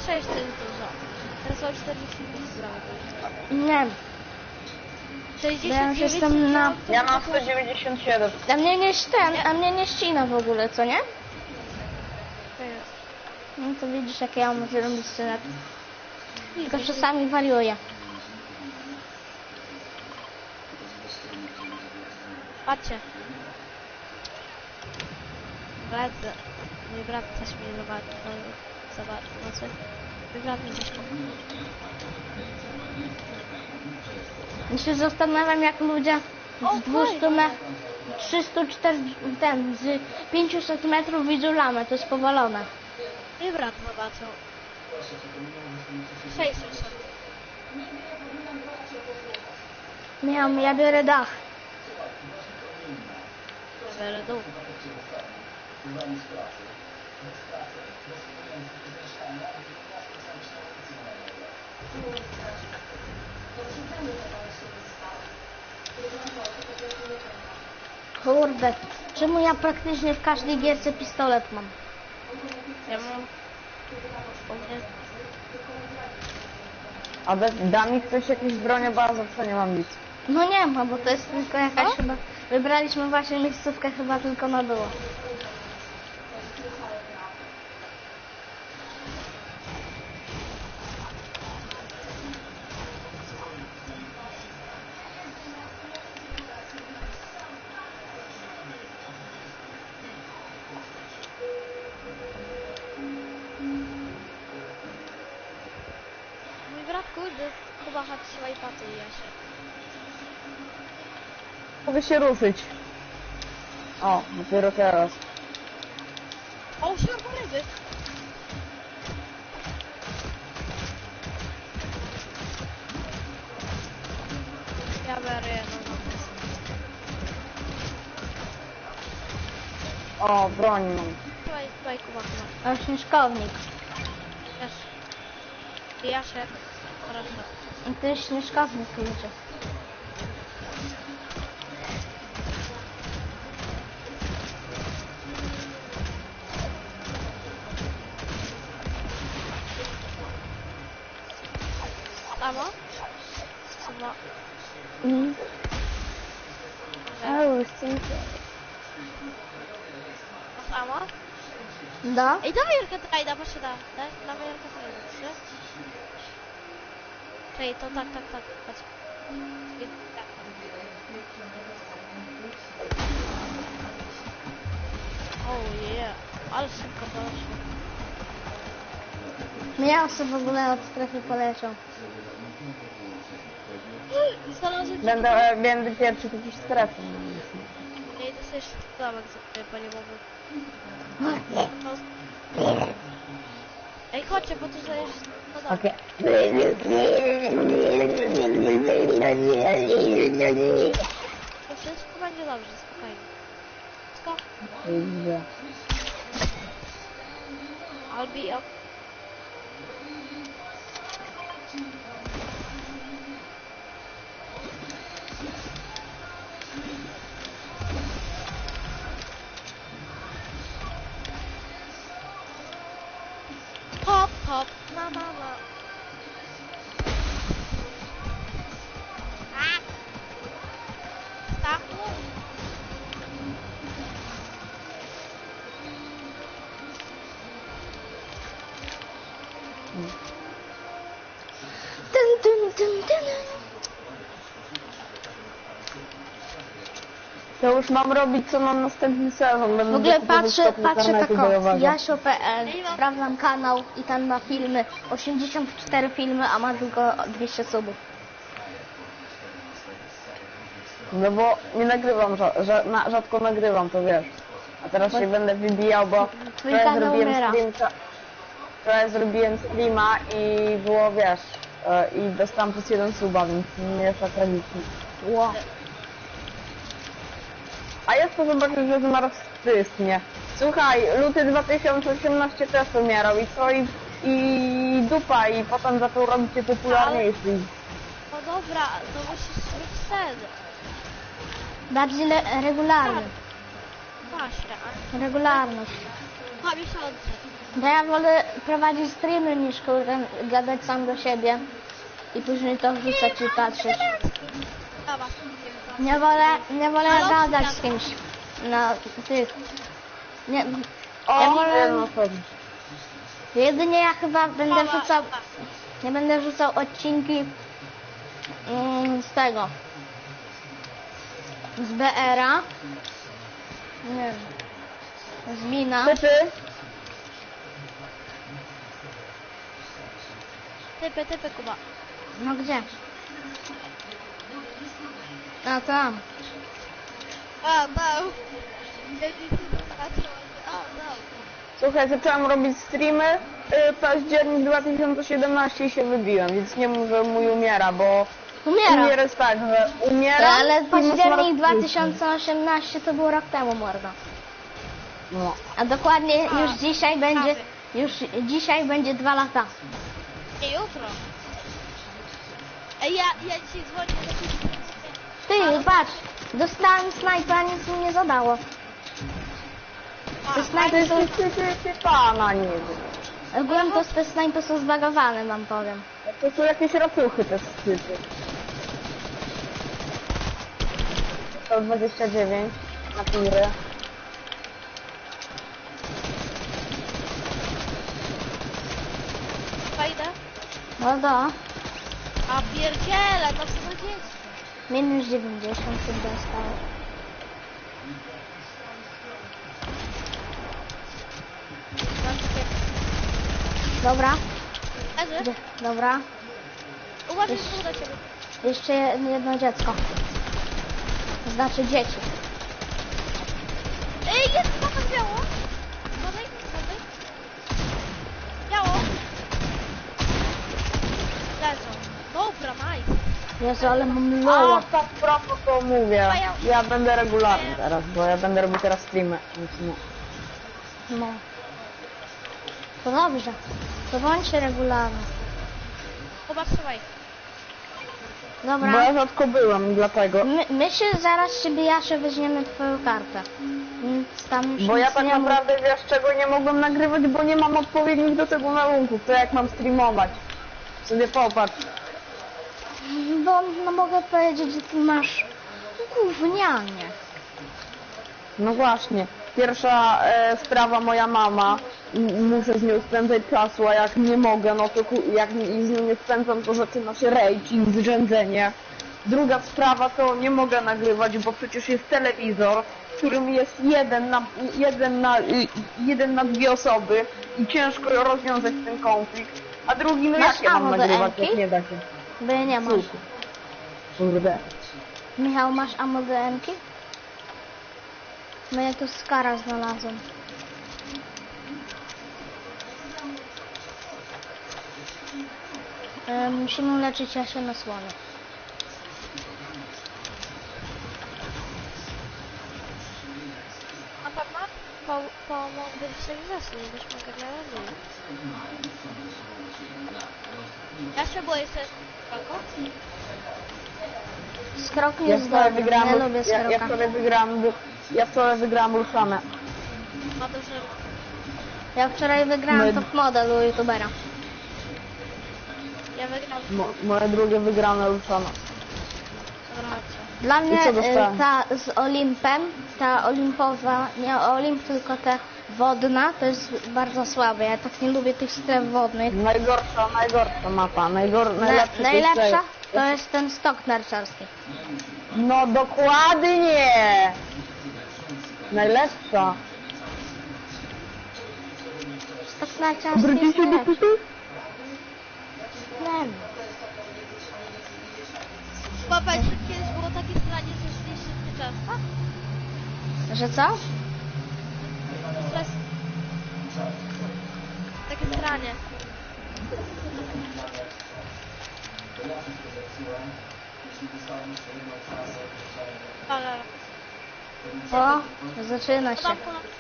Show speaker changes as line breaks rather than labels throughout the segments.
66 to jest dużo. Teraz o 45 zbramy.
Nie, bo ja już
69
jestem na...
Ja mam 197.
A mnie nie ścina w ogóle, co nie?
To jest.
No to widzisz, jak ja mam zrobić scenę. Tylko czasami wariuję.
Patrzcie. Lecę. Mój brat coś mnie zobaczy. Mój brat mi coś powie.
Ja się zastanawiam, jak ludzie
O,
z 200
fajnie.
metrów, 340, z 500 metrów widzą lamę, to jest powalone.
Mój brat zobaczył. 600.
Ja biorę dach.
Biorę dół.
Kurde, czemu ja praktycznie w każdej gierce pistolet mam?
Ja mam... U mnie...
A da mi ktoś jakieś bronie, bo ja zawsze nie mam nic.
No nie ma, bo to jest tylko jakaś chyba... Wybraliśmy właśnie miejscówkę chyba tylko na było.
Mój brat kurde chyba chodzi swojej paty i ja się.
Mogę się ruszyć. O, dopiero teraz.
O, usiadł ryby! Ja biorę jedną.
O, broń mam.
Tutaj Kuba chyba.
A śnieżkownik.
Też. I ja się. Proszę.
I to jest śnieżkownik, ludzie.
Samo? Chyba. Samo?
Da?
Ej, dawaj Jarka trajda, proszę da. Dawaj Jarka trajda, trzy. Czekaj, to tak, patrz. I tak. Oh yeah, ale szybko poszło.
Ja sobie w ogóle od strefy poleciał.
Znalazłem
Będę pierwszy w jakiejś strefie.
Ja idę sobie domek sobie paliwowy. Ej, chodźcie, bo tu jest... No dobra.
Okej.
To wszystko będzie dobrze, spokojnie. Wszystko?
Dobrze.
I'll be up. Hop, hop, mama. A! Stachu?
Dun.
To już mam robić, co mam następny sezon. Będę
W ogóle
kupować
patrzę
internetu
tako,
bojowego.
Jasio.pl, sprawdzam kanał i tam ma filmy, 84 filmy, a ma tylko 200 subów.
No bo nie nagrywam, rzadko nagrywam, to wiesz. A teraz się będę wybijał, bo
Twój
wczoraj
kanał
zrobiłem
umiera.
wczoraj zrobiłem streama i było, wiesz, i dostałem plus 1 suba, więc nie jest tak tragicznie.
Ło.
A jest to zobaczyć, że zmarł nie. Słuchaj, luty 2018 też umierał i co? I dupa, i potem zaczął robić się popularniejszy.
No dobra, to musisz mieć sen.
Bardziej regularny.
Właśnie, a
Regularność.
2 miesiące.
Bo ja wolę prowadzić streamy niż kurde gadać sam do siebie i później to wrzucać i patrzeć.
Dobra.
Nie wolę
Ale
gadać
odcinka.
z kimś na tych. Nie,
O,
ja wolę,
no to...
jedynie ja chyba będę
Mama.
wrzucał, nie będę wrzucał odcinki z tego, z BR-a, nie wiem, z Mina.
Typy?
Typy, Kuba.
No gdzie? A tam.
O, no. O, no.
Słuchaj, zacząłem robić streamy, październik 2017 i się wybiłem, więc nie mów, że mój umiera, bo
Umiera.
umiera jest tak, że umiera
Ale
i
październik
ma
2018 to był rok temu, mordo.
No.
A dokładnie
A,
już dzisiaj będzie, już dzisiaj będzie 2 lata.
Nie jutro. Ej, ja dzisiaj dzwonię do ciebie.
Ty, patrz, dostałem snajpa, nic mi nie zadało. Te
To
snajpy
jest
są,
pana nie
ogólnie te snajpy są zbagowane, wam powiem.
To są jakieś racuchy te typy. 129 na piry.
Fajne?
No do,
A pierdziele, to co to dzieci.
minus 90 się dostał. Dobra,
Leży?
gdzie? Dobra.
Uważaj, że do ciebie.
Jeszcze jedno dziecko. Znaczy dzieci.
Ej, jest pokaz biało. Uważaj. Biało. Leżą. Dobra, nice.
Jezu, ale mam
A,
loła.
tak prosto to mówię. Ja będę regularny teraz, bo ja będę robił teraz streamy. Więc no.
No. To dobrze. To bądźcie regularny.
Kuba, trzymaj.
Bo ja
Dobra.
rzadko byłem, dlatego.
My się zaraz siebie Jasze weźmiemy twoją kartę. Więc tam już
Bo ja
nic
tak
nie mów.
naprawdę wiesz czego nie mogłem nagrywać, bo nie mam odpowiednich do tego warunków. To jak mam streamować? Sobie popatrz.
Bo no mogę powiedzieć, że ty masz gównianie.
No właśnie. Pierwsza sprawa moja mama. Muszę z nią spędzać czasu, a jak nie mogę, no to jak z nią nie spędzam, to zaczyna się rage i zrzędzenie. Druga sprawa to nie mogę nagrywać, bo przecież jest telewizor, w którym jest jeden na dwie osoby i ciężko rozwiązać ten konflikt. A drugi, no
Masz
jak ja mam
ammo do
nagrywać,
Emki?
jak nie da się?
Bo ja nie masz.
Kurde.
Michał, masz ammo do Emki? No ja tu skara znalazłem. Musimy leczyć Jasię na słonie.
Na pewno? Pomógłbyś się wrzesień, byśmy go nie robili. Ja się boję sobie spoko.
Skrok
Ja
jest
wczoraj
dobry,
wygrałam,
nie lubię skroka.
ja wczoraj wygrałam Luszanę.
Ma duży...
Ja wczoraj wygrałam
My-
top model u youtubera.
Ja wygram.
Moje drugie wygrane Luszana.
Dobra, chodźcie.
Dla mnie
co dostałem?
ta z Olimpem, ta olimpowa, nie Olimp, tylko ta wodna, to jest bardzo słabe. Ja tak nie lubię tych stref wodnych.
Najgorsza mapa, najlepszy
Najlepsza to jest ten stok narciarski.
No dokładnie! Najlepsza.
Stok narciarski jest najlepszy. Nie wiem.
Popatrz, kiedyś było takie stranie, że szliście często?
Że co?
Stres... Takie stranie. Ale...
O, zaczyna się.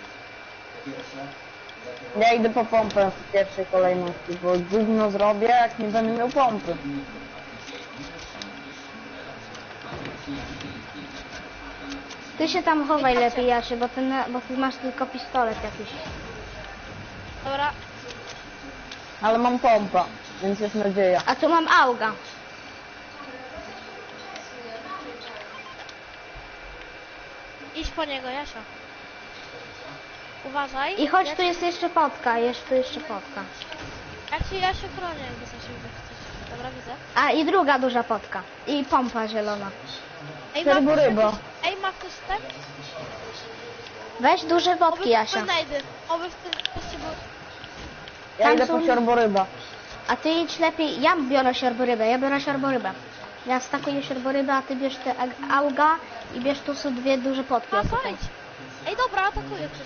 Ja idę po pompę w pierwszej kolejności, bo gówno zrobię, jak nie będę miał pompy.
Ty się tam chowaj lepiej, Jasiu, bo ty masz tylko pistolet jakiś.
Dobra,
Ale mam pompa, więc jest nadzieja.
A tu mam auga.
Idź po niego, Jasia. Uważaj.
I chodź,
jak,
tu jest jeszcze potka, jest tu jeszcze potka.
Jak ci Jasiu chronię, jakby coś się chcesz. Dobra, widzę.
A i druga duża potka. I pompa zielona.
Ej,
Serworyba.
Ej, ma ktoś ten?
Weź duże potki, Jasia.
Wynajdy. Oby w tym poście był...
Ja
Tam
idę po
są-
siorboryba.
A ty idź lepiej, ja biorę siorborybę, Ja stakuję siorborybę, a ty bierz te auga i bierz tu są dwie duże potki.
A,
o, tutaj.
idź. Ej, dobra, atakuję ktoś.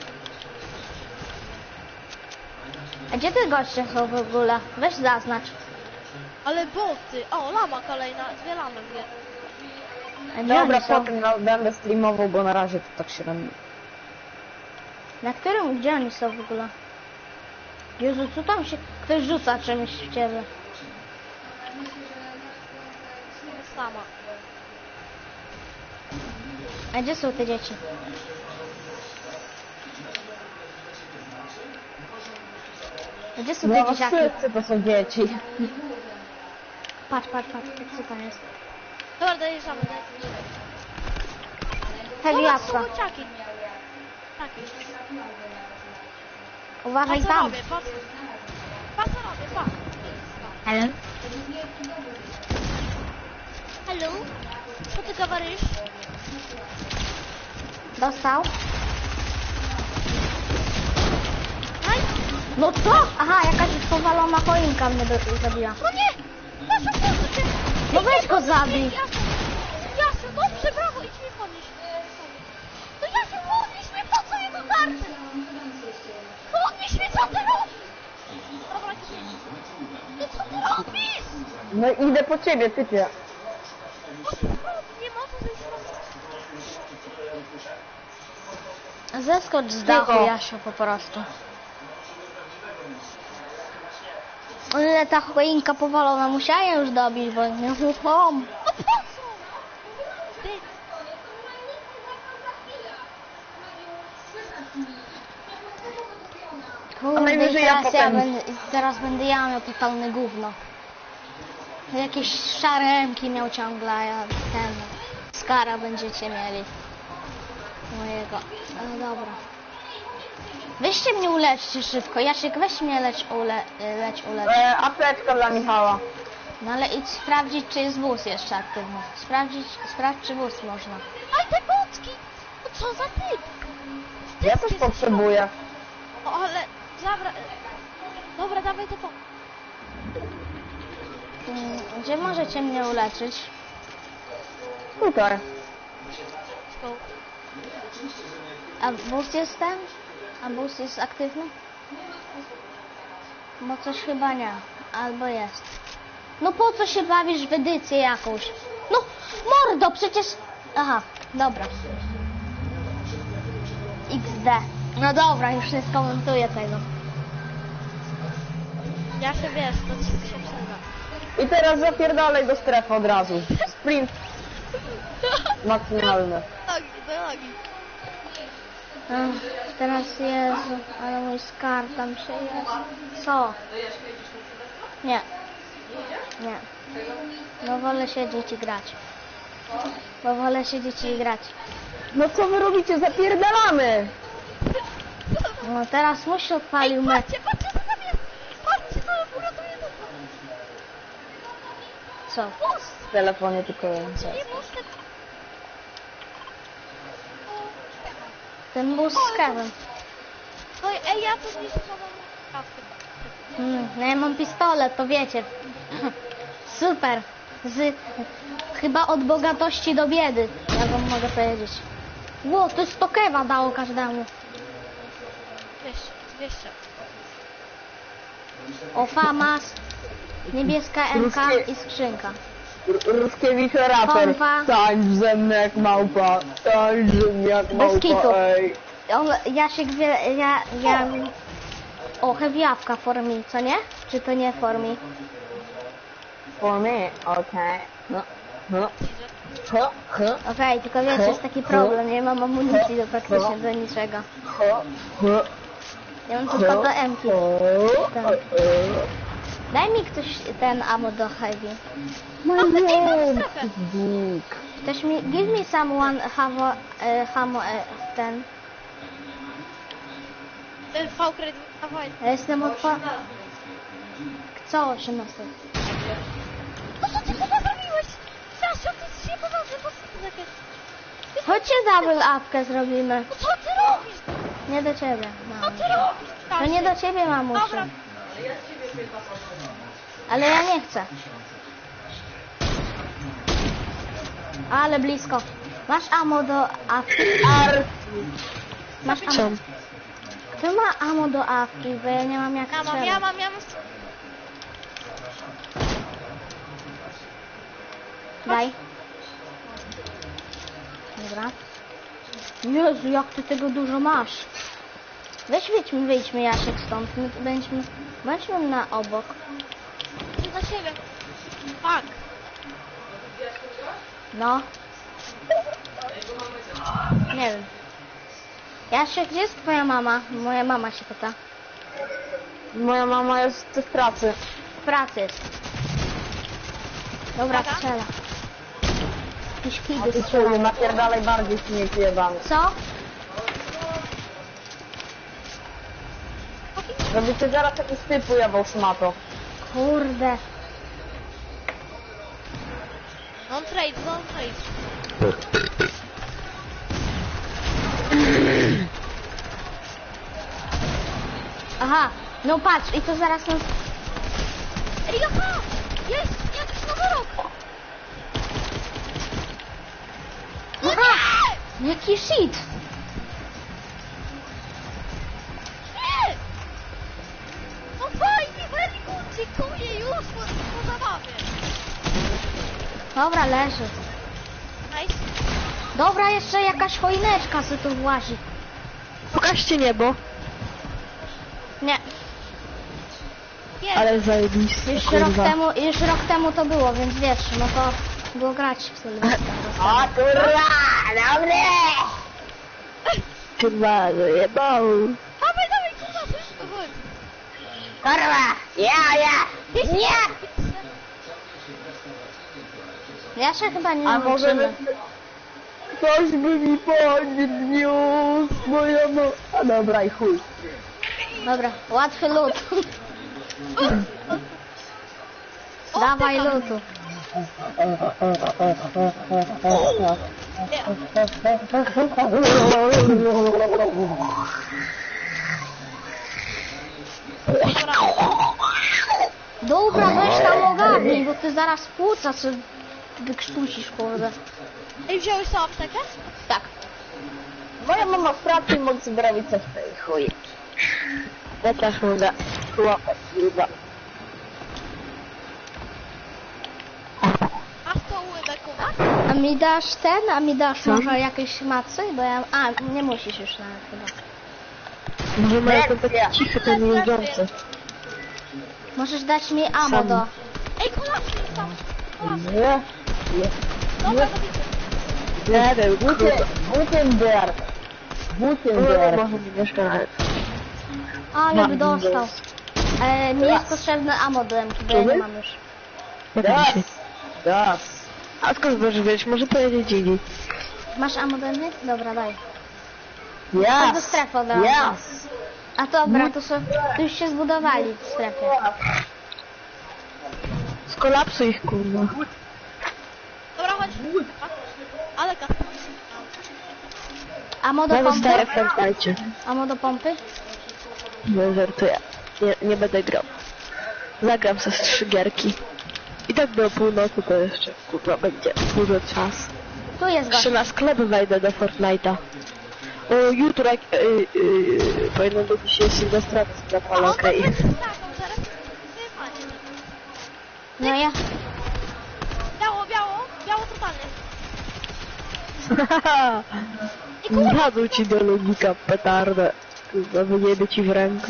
A gdzie ty goście są w ogóle? Weź zaznacz.
Ale boty. O, lama kolejna. Dwie lamy mnie.
A gdzie
Dobra,
oni są?
potem będę streamował, bo na razie to tak średnio.
Na którym, gdzie oni są w ogóle? Jezu, co tam się... Ktoś rzuca czymś w ciebie.
Sama.
A gdzie są te dzieci? A gdzie są te
No
dzieciaki?
wszyscy to są dzieci.
Patrz, co tam jest.
Dobra, dojeżdżamy.
Heavy
Dobra, są
jabłka.
bociaki. Taki.
Uważaj
Pa co
tam.
robię, pa co robię, pa.
Hello?
Hello? Co ty gawarisz?
Dostał?
Aj,
No co? Aha, jakaś powalona choinka mnie zabiła.
no nie! Jasiu, proszę cię!
No weź go zabij.
Jasiu, dobrze, brawo, idź mnie podnieść. No Jasiu, podnieś mnie, po co jego karty? Podnieś mnie, co ty robisz? Dobra, no co ty robisz?
No idę po ciebie, typie.
O, ty robisz? Nie ma co zejść
Zeskocz z dachu,
Cicho.
Jasiu, po prostu. O ile ta choinka powalona, musiałem już dobić, bo nie uchom.
No po co? Ty,
Kurde,
najwyżej
i
ja
teraz,
potem-
teraz będę ja miał totalne gówno. Jakieś szare emki miał ciągle, a ja ten... Skara będziecie mieli. Mojego. Ale dobra. Weźcie mnie uleczcie szybko. Jasiek, weź mnie leć ulecz.
Apteczka dla Michała.
No ale idź sprawdzić, czy jest wóz jeszcze aktywny. Sprawdź, czy wóz można.
aj te bocki! No co za typ?
Ja też potrzebuję.
O, ale zabra... Dobra, dawaj to po...
Gdzie możecie mnie uleczyć?
Tutaj.
Go.
A wóz jest ten? A wóz jest aktywny? Bo coś chyba nie. Albo jest. No po co się bawisz w edycję jakąś? No mordo, przecież... Aha, dobra. XD. No dobra, już nie skomentuję tego.
Ja się wiesz, to ci się przyda.
I teraz zapierdalaj do strefy od razu. Sprint maksymalny.
Nogi, do nogi.
Teraz Jezu, ale mój skarb tam się jest. Co? Nie. Nie. No wolę siedzieć i grać. Bo wolę siedzieć i grać.
No co wy robicie? Zapierdalamy!
No teraz musi odpalił
Ej,
mecz.
patrzcie co tam jest! Patrzcie co uratuje to!
Co?
Wóz!
W telefonie tylko
Nie wóz, ten...
Ten bus z Kevin.
No ej, ja tu zniszczę nową kawkę.
No ja mam pistolet, to wiecie. Super. Chyba od bogatości do biedy, ja wam mogę powiedzieć. Ło, to 100 kewa dało każdemu.
200.
O, famas, niebieska MK i skrzynka.
Ruskiewicz raper.
Pompa.
Tańcz ze mną jak małpa. Tańcz ze mną jak małpa,
kitu.
ej.
Jasiek wie, ja... O, heavy jabłka for me, co nie? Czy to nie for me?
For me, okej. No, no. Ho, ho,
Okej, tylko wiecie, jest taki problem, nie mam amunicji do praktycznie do niczego.
ho, ho,
Ja mam tylko do M-ki.
ho,
Tak.
ho.
Daj mi ktoś ten ammo do heavy.
Mam strefę.
Ktoś mi... Give me someone ammo ten.
V-credit, dawaj.
Ja jestem Co 18?
No co ty chyba zrobiłeś? Jasiu, ty jesteś niepoważny, po co ty takie...
Chodźcie double upkę zrobimy.
No co ty robisz?
Nie do ciebie,
Co
mamuś.
ty robisz?
To nie do ciebie, mamusiu.
Dobra.
Ale ja nie chcę. Ale blisko. Masz ammo do awki? Masz ammo? Kto ma ammo do awki? Bo ja nie mam jak
Ja mam.
strzelać. Daj. Dobra. Jezu, jak ty tego dużo masz. Weź wyjdźmy Jasiek stąd. My tu bądźmy na obok.
Idę za siebie. Fuck.
No. Nie wiem. Jasiek, gdzie jest twoja mama? Moja mama się pyta.
Moja mama jest w pracy.
W pracy jest. Dobra,
Uwaga.
strzela. Jakieś
A
kidy
ty
strzelają.
czemu napierdalaj bardziej śmieć jebany.
Co?
Żeby cię zaraz jakiś typ ujebał szmato.
Kurde.
Non trade.
Aha, no patrz, i to zaraz nas...
Ej, aha! Jest! Jakiś nowy rok! No
Aha!
nie!
Jaki shit!
Nie! No fajnie, very good, dziękuję już po zabawie.
Dobra, leży.
Nice.
Dobra, jeszcze jakaś choineczka se tu włazi.
Pokażcie niebo,
Nie,
Jest.
ale zajebiste,
już rok temu to było, więc wiesz, no to było grać w Sylwestra.
A kurwa, dobry!
Kurwa, zajebał.
Dawaj, kurwa, coś to chodź.
Kurwa, ja!
Nie!
Ja się chyba nie
A może
nauczymy.
ktoś by mi podniósł, moja no... A dobra i chuj.
Dobra, łatwy lód. Dawaj lutu. Dobra, weź tam ogarnij, bo ty zaraz płuca co wykrztusisz, kurde.
Ej, wziąłeś tą aptekę?
Tak.
Moja mama w pracy i mogę sobie robić coś w tej chuj.
Ja też mogę. Łapać, kurwa.
Masz tą bekowa?
A mi dasz może jakieś macy? Bo ja... A, nie musisz już nawet chyba.
Może mają to tak cichy, ten jeżdżący.
Możesz dać mi ammo
Sam.
do...
Ej, kolację jest tam. Kolację.
Nie?
Dobra, to widzę.
Nie wiem, kurwa.
Gutenberg.
Kurwa,
Gutenberg.
może nie mieszka nawet.
Ale by dostał. Mi jest potrzebne ammo do MK, bo ja nie mam już.
Jak mi się.
Das.
A skąd możesz wiedzieć? Może pojedzie Gigi.
Masz ammo do MK? Dobra, daj. Chodź do
Yes.
strefy od razu.
Yes.
A dobra, tu już się zbudowali w strefie.
Skolapsuj ich, kurwa.
Dobra, chodź. Ale kas.
Ammo do
Ja
pompy?
zostaję w Fortnite.
Ammo do pompy?
Nie żartuję. Nie będę grał. Zagram ze 3 gierki. I tak do północy to jeszcze, kurwa, będzie dużo czas.
Tu jest gość.
Jeszcze na sklep wejdę do Fortnite'a. O, jutro jak... powinno być dzisiaj Sylwestra z sklep, ale okej.
Tak, on zaraz wyjechanie.
No ja...
Biało totalnie.
Wpadł ci do logika petardę. Kurwa, wyjebie ci w rękę.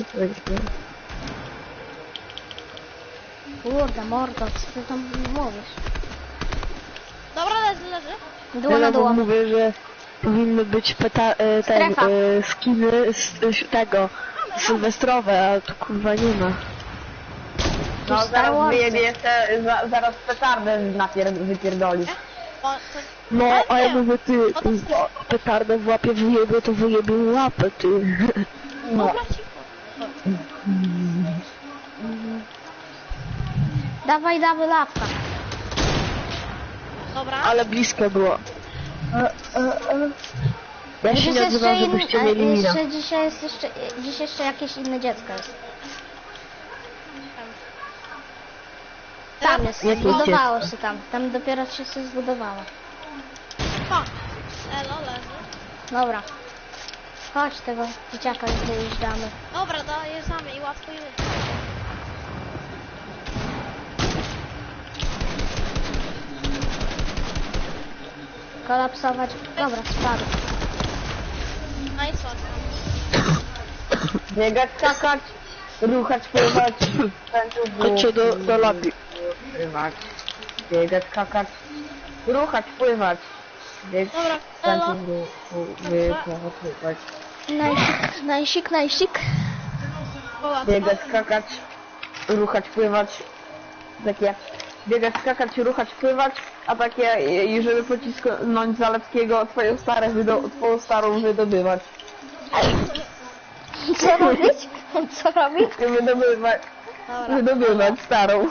Kurde, mordo, co ty tam mówisz?
Dobra, leży.
Dło na
Ja
dło.
mówię, że powinny być
Strefa.
skiny z tego sylwestrowe, a tu kurwa nie ma.
No
Star
zaraz
Wars.
wyjebie jeszcze, zaraz petardę wypierdolisz.
O, to...
No, a ja mówię, ty,
No to wstyd.
petardę w łapie wyjebie, to wyjebie łapę, ty.
No.
Dobra, cicho.
Dawaj, dawaj lapka.
Dobra.
Ale blisko było. Ja się
Dziś
nie
jeszcze
odzywam, żebyście mieli mina.
dzisiaj jest jeszcze, dziś jeszcze jakieś inne dziecko jest. Tam jest,
Jakie
zbudowało
dziecko?
się tam. Tam dopiero się zbudowało.
Pa. Elo, leży.
Dobra. Chodź tego dzieciaka dojeżdżamy.
Dobra, dojeżdżamy i łatwo i łatwo.
Kolapsować. Dobra, spadł.
No i co?
Biegać, skakać, ruchać, pływać,
Chodźcie do lobby.
pływać. Biegać, skakać, ruchać, pływać. Biegać,
Dobra, elo.
pływać.
Najsik.
O, łatwo.
Biegać, skakać, ruchać, pływać. Takie biegać, skakać, ruchać, pływać, a takie i żeby pocisnąć Zalewskiego, twoją starą wydobywać.
Co robić? Co robić?
Dobra.
Wydobywać starą.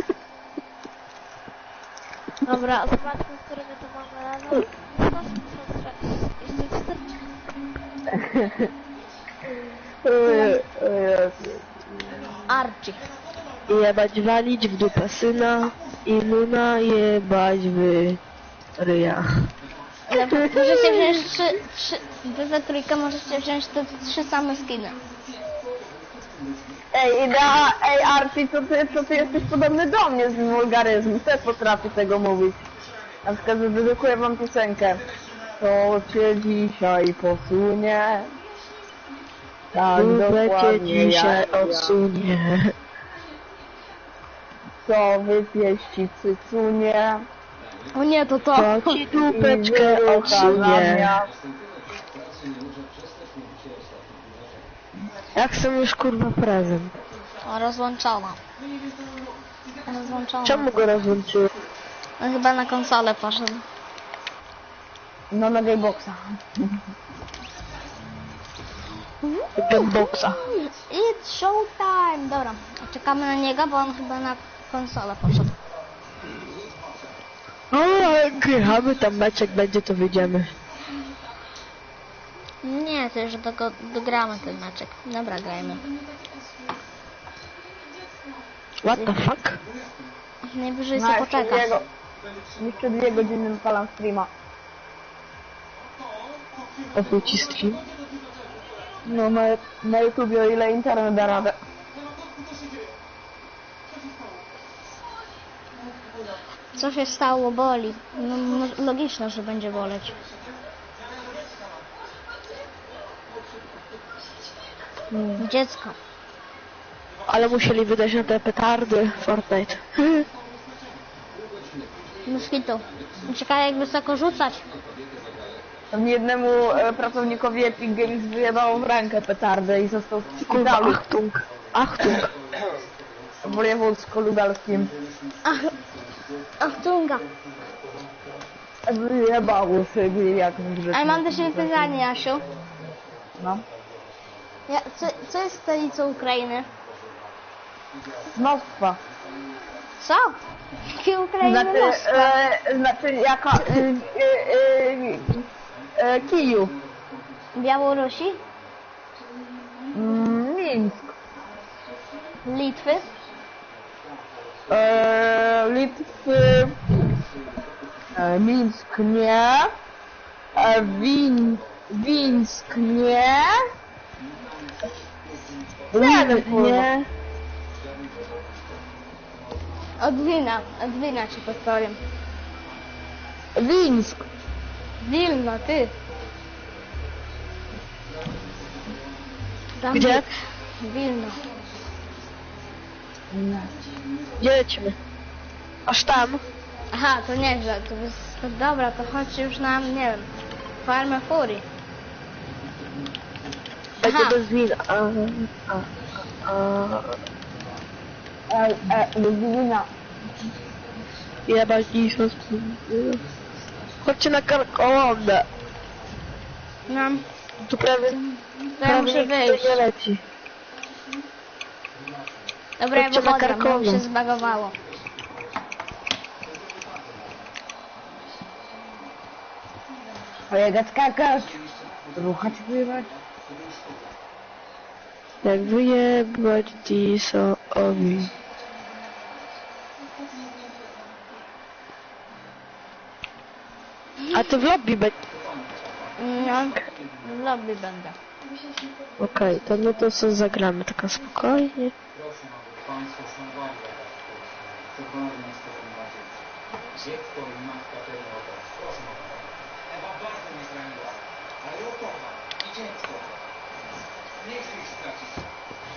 Dobra, zobaczmy, który my to mamy level. 164.
Archie.
Jebać walić w dupę syna i Luna jebać w ryja.
Możecie wziąć wy we trójkę możecie wziąć te 3 same skiny.
Ej, Archie, co ty jesteś podobny do mnie z wulgaryzmu, też potrafię tego mówić. Na przykład dedykuję wam piosenkę. Co cię dzisiaj posunie? Tak
Dupę cię
dokładnie
dzisiaj
jak ja.
odsunie.
Co wypieści cycunie?
O nie, to.
To ci dupeczkę
I wyrucha na
odsunie.
miast.
Jak są już kurwa prezent?
O, rozłączona.
Czemu go rozłączyłem?
No, chyba na konsolę poszedł.
No na Gameboxa.
Gameboxa.
It's showtime! Dobra, czekamy na niego, bo on chyba na konsolę poszedł.
O, gramy tam mecz, jak będzie to wyjdziemy.
Nie, to już dogramy ten meczek. Dobra, grajmy.
What the fuck?
Najwyżej
No,
sobie poczekasz.
jeszcze 2 godziny palam streama.
O ci stream.
No na YouTubie, o ile internet da radę.
Co się stało, boli. No, logiczne, że będzie boleć. Dziecko.
Ale musieli wydać na te petardy Fortnite.
Moskito. Czekaj, jak wysoko rzucać.
Tam jednemu pracownikowi Epic Games wyjebało w rękę petardę i został w
Kurwa,
szpitalu
Achtung. Achtung.
w wojewódzko-lubelskim.
Ach, tunga.
Wyjebało sobie jak w
A ja mam do siebie pytanie, Jasiu.
No.
Co jest stolicą Ukrainy?
Moskwa.
Co? Jakie Ukrainy Moskwa?
Znaczy jaka... Kijów.
Białorusi?
Mińsk.
Litwy?
Litwy... Mińsk nie. Wińsk nie. Nie wiem,
Nie.
Od wina ci podpowiem.
Wińsk.
Wilno, ty. Tam
Gdzie?
Wilno.
Gdzie lecimy? Aż tam.
Aha, to nieźle. To dobra, to chodź już na, nie wiem, farmę furii.
Będzie
Aha.
bez wina.
Ludwina.
Jebać Diso. Chodźcie na karkołomę.
No,
Tu prawie...
to ja muszę
nikt tutaj
wyjść.
nie leci.
Dobra, ja
Chodźcie na
wychodzę, bo mi
Karkową.
się zbagowało.
Kolega skakać. Ruchać, pływać.
Jak wyjebać Diso-owi. A ty w lobby będzie.
No, w lobby będę.
Okej, to my to sobie zagramy taka spokojnie.
Proszę, aby Państwo szanowali cokolwiek z tego macie. Dziecko i matka tego obraz. Proszę o to. Ewa bardzo mnie zraniła, ale ją kocham i dziecko. Nie chcę ich stracić.